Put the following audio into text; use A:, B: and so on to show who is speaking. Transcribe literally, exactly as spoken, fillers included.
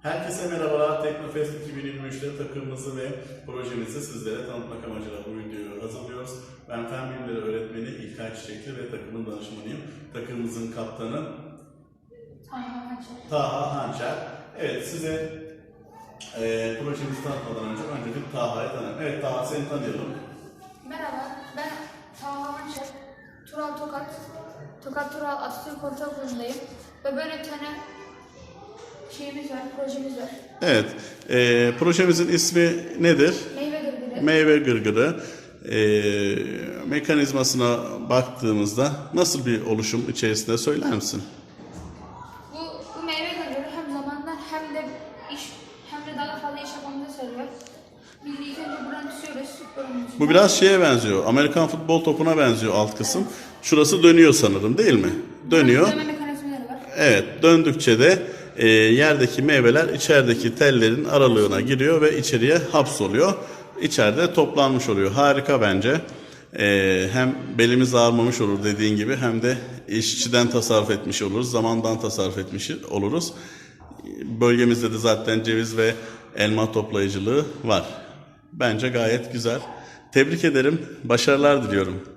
A: Herkese merhabalar. Teknofest iki bin yirmi üçte takımımızı ve projemizi sizlere tanıtmak amacıyla bu videoyu hazırlıyoruz. Ben Fen Bilimleri Öğretmeni İlkay Çiçekli ve takımın danışmanıyım. Takımımızın kaptanı
B: Taha Hançer.
A: Taha Hançer. Evet, size e, projemizi tanıtmadan önce önce bir Taha'yı tanıyalım. Evet Taha, seni tanıyalım.
B: Merhaba, ben Taha Hançer. Tural Tokat. Tokat Tural Atatürk Ortaokulu'ndayım. Ve böyle bir tane şeyimiz var, projemiz var.
A: Evet, e, projemizin ismi nedir?
B: Meyve gırgırı.
A: Meyve gırgırı. E, mekanizmasına baktığımızda nasıl bir oluşum içerisinde söyler misin?
B: Bu, bu meyve gırgırı hem zamandan hem de iş hem de daha fazla iş yapmamızı söylüyor. Biz ilk önce buradan tutuyoruz.
A: Bu biraz şeye benziyor. Amerikan futbol topuna benziyor alt kısım. Şurası dönüyor sanırım, değil mi? Dönüyor.
B: Dönme mekanizmaları var.
A: Evet, döndükçe de e, yerdeki meyveler içerideki tellerin aralığına giriyor ve içeriye hapsoluyor. İçeride toplanmış oluyor. Harika bence. E, hem belimiz ağrımamış olur dediğin gibi, hem de işçiden tasarruf etmiş oluruz, zamandan tasarruf etmiş oluruz. Bölgemizde de zaten ceviz ve elma toplayıcılığı var. Bence gayet güzel. Tebrik ederim. Başarılar diliyorum.